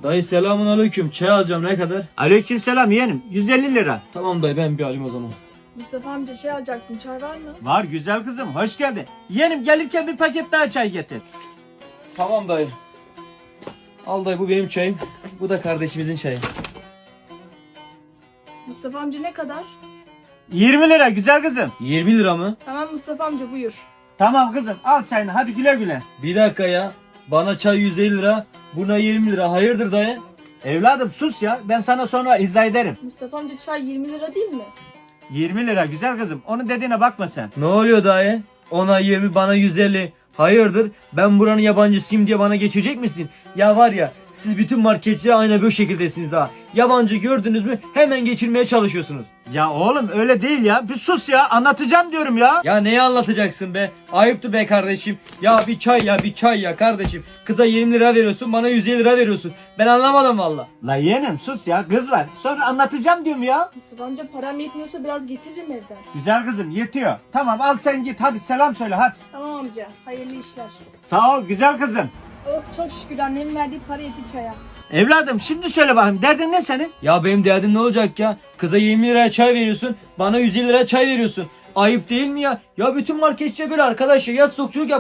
Dayı selamun aleyküm. Çay alacağım, ne kadar? Aleykümselam yeğenim. 150 lira. Tamam dayı, ben bir alayım o zaman. Mustafa amca şey alacaktım, çay var mı? Var güzel kızım. Hoş geldin. Yeğenim gelirken bir paket daha çay getir. Tamam dayı. Al dayı, bu benim çayım. Bu da kardeşimizin çayı. Mustafa amca ne kadar? 20 lira güzel kızım. 20 lira mı? Tamam Mustafa amca buyur. Tamam kızım al çayını hadi güle güle. Bir dakika ya. Bana çay 150 lira. Buna 20 lira. Hayırdır dayı? Evladım sus ya ben sana sonra izah ederim. Mustafa amca çay 20 lira değil mi? 20 lira güzel kızım. Onun dediğine bakma sen. Ne oluyor dayı? Ona 20, bana 150. Hayırdır? Ben buranın yabancısıyım diye bana geçecek misin? Ya var ya, siz bütün marketçiler aynı bu şekildesiniz ha. Yabancı gördünüz mü hemen geçirmeye çalışıyorsunuz. Ya oğlum öyle değil ya. Bir sus ya anlatacağım diyorum ya. Ya neyi anlatacaksın be? Ayıptı be kardeşim. Ya bir çay ya, bir çay ya kardeşim. Kıza 20 lira veriyorsun, bana 150 lira veriyorsun. Ben anlamadım valla. La yeğenim sus ya kız var. Sonra anlatacağım diyorum ya. Mustafa amca param yetmiyorsa biraz getiririm evden. Güzel kızım yetiyor. Tamam al sen git hadi selam söyle hadi. Tamam amca, hayırlı işler. Sağ ol güzel kızım. Oh çok şükür annemin verdiği para yetti çaya. Evladım şimdi söyle bakayım derdin ne senin? Ya benim derdim ne olacak ya? Kıza 20 liraya çay veriyorsun, bana 150 liraya çay veriyorsun. Ayıp değil mi ya? Ya bütün marketçiler böyle arkadaş ya. Ya stokçuluk yap.